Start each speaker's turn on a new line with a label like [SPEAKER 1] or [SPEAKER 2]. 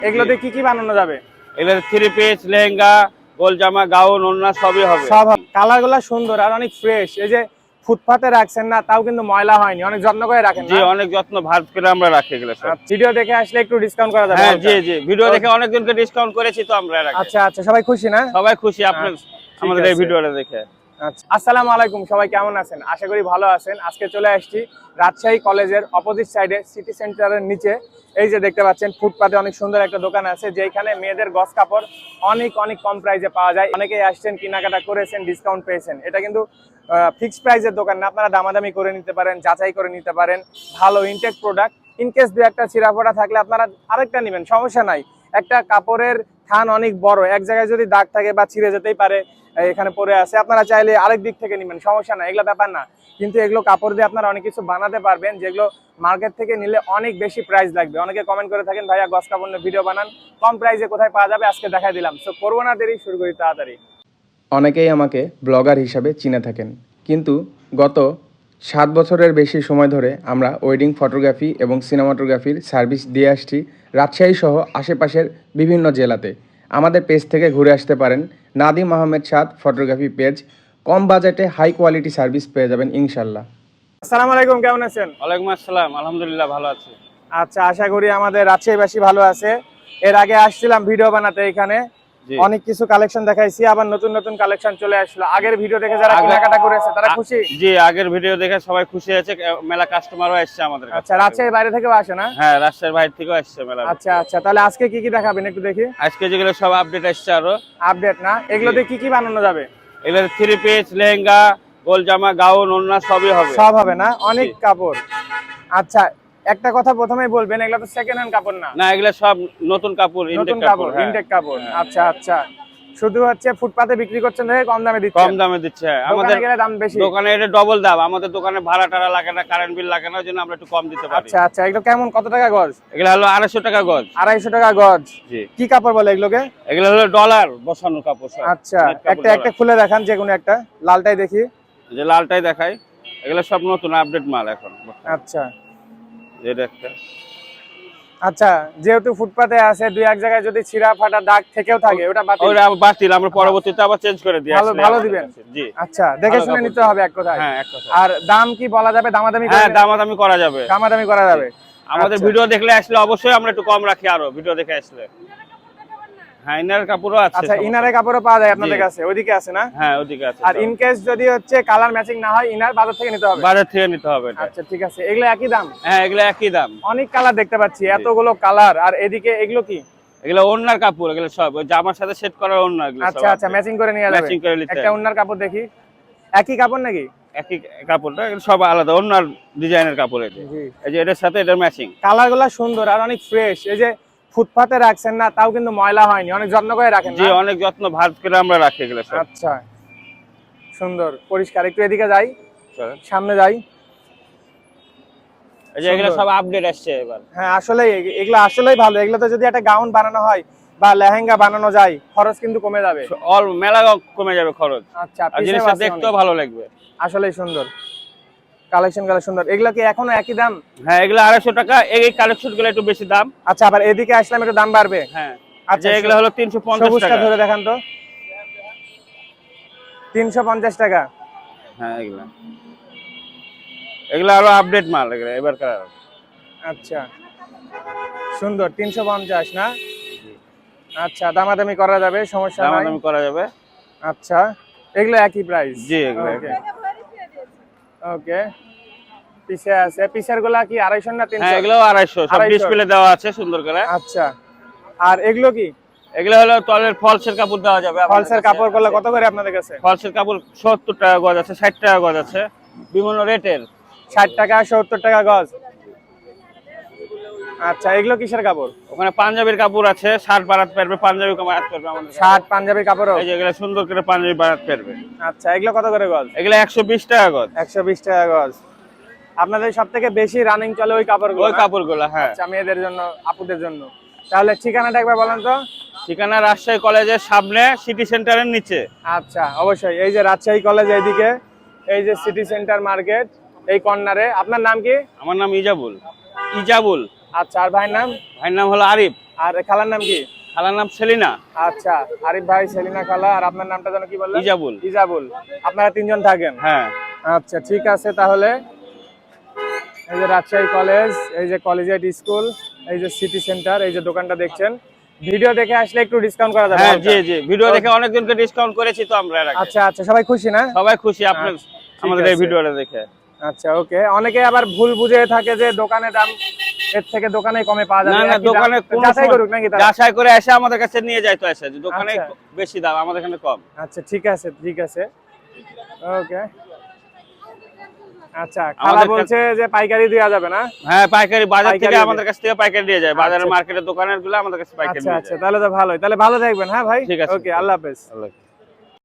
[SPEAKER 1] এগুলোতে কি কি বানানো যাবে?
[SPEAKER 2] এগুলো থ্রি পিস, লেহেঙ্গা, গোল জামা, গাউন, ওড়না সবই হবে।
[SPEAKER 1] সব কালারগুলো সুন্দর আর অনেক ফ্রেশ। এই যে ফুটপাতে রাখছেন না, তাও কিন্তু ময়লা হয়নি, অনেক যত্ন করে রাখেন
[SPEAKER 2] জি,
[SPEAKER 1] না?
[SPEAKER 2] অনেক যত্ন ভাঁজ করে আমরা রাখি এগুলো সব।
[SPEAKER 1] ভিডিও দেখে আসলে একটু ডিসকাউন্ট করা যাবে?
[SPEAKER 2] হ্যাঁ জি জি, ভিডিও দেখে অনেকজনকে ডিসকাউন্ট করেছি তো আমরা এর আগে।
[SPEAKER 1] আচ্ছা আচ্ছা, সবাই খুশি না?
[SPEAKER 2] সবাই খুশি আপনার
[SPEAKER 1] ঠিক
[SPEAKER 2] আমাদের এই
[SPEAKER 1] আছে।
[SPEAKER 2] ভিডিওটা দেখে।
[SPEAKER 1] আচ্ছা, আসসালামু আলাইকুম, সবাই কেমন আছেন? আশা করি ভালো আছেন। আজকে চলে আসছি রাজশাহী কলেজের অপোজিট সাইডে সিটি সেন্টারের নিচে। এই যে দেখতে পাচ্ছেন ফুটপাতে অনেক সুন্দর একটা দোকান আছে, যেখানে মেয়েদের গস কাপড় অনেক অনেক কম প্রাইসে পাওয়া যায়। অনেকেই আসছেন, কেনাকাটা করেছেন, ডিসকাউন্ট পেয়েছেন। এটা কিন্তু ফিক্সড প্রাইসের দোকান না, আপনারা দামাদামি করে নিতে পারেন, যাচাই করে নিতে পারেন। ভালো ইনটেক প্রোডাক্ট। ইনকেস দু একটা ছিঁড়া ফোটা থাকলে আপনারা আরেকটা নেবেন, সমস্যা নাই। একটা কাপড়ের থান অনেক বড়, এক জায়গায় যদি দাগ থাকে বা ছিঁড়ে যেতেই পারে, এখানে পরে আছে, আপনারা চাইলে আরেক দিক থেকে নেবেন, সমস্যা না, এগুলো ব্যাপার না। কিন্তু এগুলো কাপড় দিয়ে আপনারা অনেক কিছু বানাতে পারবেন, যেগুলো মার্কেট থেকে নিলে অনেক বেশি প্রাইস লাগবে। অনেকে কমেন্ট করে থাকেন, ভাইয়া গস কাপড় নিয়ে ভিডিও বানান, কম প্রাইসে কোথায় পাওয়া যাবে, আজকে দেখাই দিলাম। সো করবো না দেরি, শুরু করি তাড়াতাড়ি।
[SPEAKER 3] অনেকেই আমাকে ব্লগার হিসাবে চিনে থাকেন, কিন্তু গত 7 বছরের বেশি সময় ধরে আমরা ওয়েডিং ফটোগ্রাফি এবং সিনেমাটোগ্রাফির সার্ভিস দিয়ে আসছি রাজশাহী সহ আশেপাশের বিভিন্ন জেলাতে। আমাদের পেজ থেকে ঘুরে আসতে পারেন, নাদিম আহমেদ সাদ ফটোগ্রাফি পেজ। কম বাজেটে হাই কোয়ালিটি সার্ভিস পেয়ে যাবেন ইনশাল্লাহ।
[SPEAKER 1] আসসালামু আলাইকুম, কেমন আছেন?
[SPEAKER 2] ওয়ালাইকুম আসসালাম, আলহামদুলিল্লাহ ভালো আছি।
[SPEAKER 1] আচ্ছা, আশা করি আমাদের রাজশাহীবাসী ভালো আছে। এর আগে আসছিলাম ভিডিও বানাতে, এখানে অনেক কিছু কালেকশন দেখাইছি, আবার নতুন নতুন কালেকশন চলে আসলো। আগের ভিডিও দেখে যারা কেনাকাটা করেছে তারা খুশি?
[SPEAKER 2] জি, আগের ভিডিও দেখে সবাই খুশি আছে, মেলা কাস্টমারও আসছে আমাদের কাছে।
[SPEAKER 1] আচ্ছা, রাজশাহীর বাইরে থেকেও আসে না?
[SPEAKER 2] হ্যাঁ, রাজশাহীর বাইরে থেকেও আসছে মেলা।
[SPEAKER 1] আচ্ছা আচ্ছা, তাহলে আজকে কি কি দেখাবেন একটু দেখি।
[SPEAKER 2] আজকে যেগুলো সব আপডেট আসছে আরো।
[SPEAKER 1] আপডেট না? এগুলোতে কি কি বানানো যাবে?
[SPEAKER 2] এগুলো থ্রি পিস, লেহেঙ্গা, গোল জামা, গাউন, ওড়না সবই হবে।
[SPEAKER 1] সব হবে না? অনেক কাপড়। আচ্ছা, একটা কথা প্রথমেই বলবেন, এগুলো তো সেকেন্ড হ্যান্ড কাপড় না?
[SPEAKER 2] না, এগুলো সব নতুন কাপড়,
[SPEAKER 1] নতুন কাপড়, ইনটেক কাপড়। আচ্ছা আচ্ছা, শুধু হচ্ছে ফুটপাতে বিক্রি করছেন দেখে কম দামে দিচ্ছেন?
[SPEAKER 2] কম দামে দিচ্ছে। আমাদের
[SPEAKER 1] গেলে দাম বেশি?
[SPEAKER 2] দোকানে এটা ডবল দাম। আমাদের দোকানে ভাড়া টাড়া লাগে না, কারেন্ট বিল লাগে না, ওই জন্য আমরা একটু কম দিতে পারি।
[SPEAKER 1] আচ্ছা আচ্ছা, এগুলো কেমন, কত টাকা গজ?
[SPEAKER 2] এগুলো হলো 250 টাকা গজ।
[SPEAKER 1] 250 টাকা গজ?
[SPEAKER 2] জি।
[SPEAKER 1] কি কাপড় বলে এগুলোকে?
[SPEAKER 2] এগুলো হলো ডলার বসানো কাপড় সব।
[SPEAKER 1] আচ্ছা, একটা একটা খুলে দেখান, যে কোনো একটা। লালটাই দেখি।
[SPEAKER 2] যে লালটাই দেখাই, এগুলো সব নতুন আপডেট মাল এখন।
[SPEAKER 1] আচ্ছা
[SPEAKER 2] যেটা একটা
[SPEAKER 1] আচ্ছা, যেহেতু ফুটপাতে আছে, দুই এক জায়গায় যদি ছিঁড়া ফাটা দাগ থেকেও থাকে, ওটা বাতিল?
[SPEAKER 2] ওটা বাতিল, আমরা পরবর্তীতে আবার চেঞ্জ করে দিই।
[SPEAKER 1] ভালো দিবেন?
[SPEAKER 2] জি।
[SPEAKER 1] আচ্ছা, দেখে শুনে নিতে হবে এক কথায়।
[SPEAKER 2] হ্যাঁ, এক কথা।
[SPEAKER 1] আর দাম কি বলা যাবে? দামাদামি
[SPEAKER 2] হ্যাঁ, দামাদামি করা যাবে।
[SPEAKER 1] দামাদামি করা যাবে।
[SPEAKER 2] আমাদের
[SPEAKER 1] আচ্ছা।
[SPEAKER 2] ভিডিও দেখলে আসলে অবশ্যই আমরা একটু কম রাখি আরো, ভিডিও দেখে আসলে। হ্যাঁ, ইনার কাপড়ও আছে।
[SPEAKER 1] আচ্ছা, ইনারের কাপড়ও পাওয়া যায় আপনাদের কাছে? ওইদিকে আছে না?
[SPEAKER 2] হ্যাঁ, ওদিকে আছে।
[SPEAKER 1] আর ইন কেস যদি হচ্ছে কালার ম্যাচিং না হয়, ইনার বাজার থেকে নিতে হবে?
[SPEAKER 2] বাজার থেকে নিতে হবে এটা।
[SPEAKER 1] আচ্ছা ঠিক আছে, এগুলো একই দাম?
[SPEAKER 2] হ্যাঁ, এগুলো একই দাম।
[SPEAKER 1] অনেক কালার দেখতে পাচ্ছি, এতগুলো কালার। আর এদিকে এগুলো কি?
[SPEAKER 2] এগুলো ওড়নার কাপড়, এগুলো সব ওই জামার সাথে সেট করার ওড়না এগুলো সব।
[SPEAKER 1] আচ্ছা আচ্ছা, ম্যাচিং করে নিয়ে যাবে?
[SPEAKER 2] ম্যাচিং করে নিতে।
[SPEAKER 1] একটা ওড়নার কাপড় দেখি। একই কাপড় নাকি?
[SPEAKER 2] একই কাপড়টা, এগুলো সব আলাদা ওড়নার ডিজাইনের কাপড়। এটা এই যে এটার সাথে এটার ম্যাচিং।
[SPEAKER 1] কালারগুলো সুন্দর আর অনেক ফ্রেশ। এই যে ফুটপাতে রাখছেন না, তাও কিন্তু ময়লা হয়নি, অনেক যত্ন করে রাখেন?
[SPEAKER 2] জি, অনেক যত্ন ভাঁজ করে আমরা রাখি এগুলো সব।
[SPEAKER 1] আচ্ছা, সুন্দর পরিষ্কার। একটু এদিকে যাই,
[SPEAKER 2] চলেন।
[SPEAKER 1] সামনে যাই।
[SPEAKER 2] এই যে এগুলো সব আপডেট আসছে এবার।
[SPEAKER 1] হ্যাঁ, আসলে এগুলো আসলেই ভালো। এগুলোতে যদি একটা গাউন বানানো হয় বা লেহেঙ্গা বানানো যায়, খরচ কিন্তু কমে যাবে।
[SPEAKER 2] অল মেলা কমে যাবে খরচ।
[SPEAKER 1] আচ্ছা,
[SPEAKER 2] আর জিনিসটা দেখতেও ভালো লাগবে।
[SPEAKER 1] আসলেই সুন্দর কালেকশন, সুন্দর। এগুলো কি এখনো একই দাম?
[SPEAKER 2] হ্যাঁ, এগুলো 250 টাকা। এই কালেকশন গুলো একটু বেশি দাম।
[SPEAKER 1] আচ্ছা, আবার এদিকে আসলাম একটু দাম বাড়বে?
[SPEAKER 2] হ্যাঁ।
[SPEAKER 1] আচ্ছা,
[SPEAKER 2] এগুলো হলো 350 টাকা।
[SPEAKER 1] ধরে দেখান তো। 350 টাকা?
[SPEAKER 2] হ্যাঁ, এগুলো আরো আপডেট মাল, এগুলো এবারকার।
[SPEAKER 1] আচ্ছা, সুন্দর। 350 না? আচ্ছা, দামাদামি করা যাবে, সমস্যা নাই।
[SPEAKER 2] দামাদামি করা যাবে।
[SPEAKER 1] আচ্ছা, এগুলো একই প্রাইস?
[SPEAKER 2] জি, এগুলো
[SPEAKER 1] ওকে। পিছে আছে, পিছের গুলা কি 250 না 300?
[SPEAKER 2] হ্যাঁ, এগুলো 250 সব ডিসপ্লে দেওয়া আছে সুন্দর করে।
[SPEAKER 1] আচ্ছা, আর এগুলো কি?
[SPEAKER 2] এগুলো হলো তলের ফলসের কাপড় দেওয়া যাবে।
[SPEAKER 1] ফলসের কাপড় গুলো কত করে আপনাদের কাছে?
[SPEAKER 2] ফলসের কাপড় 70 টাকা গজ আছে, 60 টাকা গজ আছে, বিভিন্ন রেটের।
[SPEAKER 1] 60 টাকা, 70 টাকা গজ। আচ্ছা, এগুলো কিসের কাপড়?
[SPEAKER 2] ওখানে পাঞ্জাবির কাপড় আছে, শার্ট বানাতে পারবে, পাঞ্জাবি বানাতে পারবে আমাদের।
[SPEAKER 1] শার্ট পাঞ্জাবির কাপড়?
[SPEAKER 2] এই যে এগুলো সুন্দর করে পাঞ্জাবি বানাতে পারবে।
[SPEAKER 1] আচ্ছা, এগুলো কত করে গজ?
[SPEAKER 2] এগুলো 120 টাকা গজ।
[SPEAKER 1] 120 টাকা গজ। আপনাদের সবথেকে বেশি রানিং চলে ওই কাপড়গুলো?
[SPEAKER 2] ওই কাপড়গুলো, হ্যাঁ।
[SPEAKER 1] আচ্ছা, মেয়েদের জন্য, আপুদের জন্য। তাহলে ঠিকানাটা একবার বলেন তো।
[SPEAKER 2] ঠিকানা রাজশাহী কলেজের সামনে, সিটি সেন্টারের নিচে।
[SPEAKER 1] আচ্ছা, অবশ্যই। এই যে রাজশাহী কলেজ এইদিকে, এই যে সিটি সেন্টার মার্কেট এই কর্নারে। আপনার নাম কি?
[SPEAKER 2] আমার নাম ইজাবুল। ইজাবুল।
[SPEAKER 1] আচ্ছা, আর ভাইয়ের নাম?
[SPEAKER 2] ভাইয়ের নাম হলো আরিফ।
[SPEAKER 1] আর খালার নাম কি?
[SPEAKER 2] খালার নাম সেলিনা।
[SPEAKER 1] আচ্ছা, আরিফ ভাই, সেলিনা খালা, আর আপনার নামটা যেন কি বললেন?
[SPEAKER 2] ইজাবুল।
[SPEAKER 1] ইজাবুল। আপনারা তিনজন থাকেন?
[SPEAKER 2] হ্যাঁ।
[SPEAKER 1] আচ্ছা ঠিক আছে, তাহলে এই যে রাজশাহী কলেজ, এই যে কলেজিয়েট স্কুল, এই যে সিটি সেন্টার, এই যে দোকানটা দেখছেন। ভিডিও দেখে আসলে একটু ডিসকাউন্ট করা যাবে?
[SPEAKER 2] হ্যাঁ জি জি, ভিডিও দেখে অনেকজনকে ডিসকাউন্ট করেছি তো আমরা এর আগে।
[SPEAKER 1] আচ্ছা আচ্ছা, সবাই খুশি না?
[SPEAKER 2] সবাই খুশি আপনার
[SPEAKER 1] ঠিক
[SPEAKER 2] আমাদের এই
[SPEAKER 1] আছে।
[SPEAKER 2] ভিডিওটা দেখে।
[SPEAKER 1] আচ্ছা ওকে, অনেকে আবার ভুল বুঝে থাকে যে দোকানে দাম এর থেকে দোকানে কমে পাওয়া যাবে।
[SPEAKER 2] না না,
[SPEAKER 1] একই দাম।
[SPEAKER 2] দোকানে কোনো
[SPEAKER 1] যাচাই
[SPEAKER 2] সময়
[SPEAKER 1] করুক নাকি তারা?
[SPEAKER 2] যাচাই করে এসে আমাদের কাছে নিয়ে যায় তো এসে, যে দোকানে
[SPEAKER 1] আচ্ছা।
[SPEAKER 2] বেশি দাম, আমাদের এখানে কম।
[SPEAKER 1] আচ্ছা ঠিক আছে ঠিক আছে, ওকে। আচ্ছা, খালা
[SPEAKER 2] আমাদের
[SPEAKER 1] বলছে যে পাইকারি দেওয়া যাবে না?
[SPEAKER 2] হ্যাঁ, পাইকারি বাজার
[SPEAKER 1] পাইকারি
[SPEAKER 2] থেকে
[SPEAKER 1] দিয়ে-
[SPEAKER 2] আমাদের কাছ থেকে পাইকারি দিয়ে যায়, বাজারের
[SPEAKER 1] আচ্ছা।
[SPEAKER 2] মার্কেটের দোকানের গুলো আমাদের কাছে পাইকারি
[SPEAKER 1] আচ্ছা
[SPEAKER 2] দিয়ে
[SPEAKER 1] আচ্ছা,
[SPEAKER 2] যায়।
[SPEAKER 1] তাহলে তো ভালোই। তাহলে ভালো থাকবেন, হ্যাঁ ভাই।
[SPEAKER 2] ঠিক আছে।
[SPEAKER 1] ওকে, আল্লাহ হাফেজ।
[SPEAKER 2] আল্লাহ।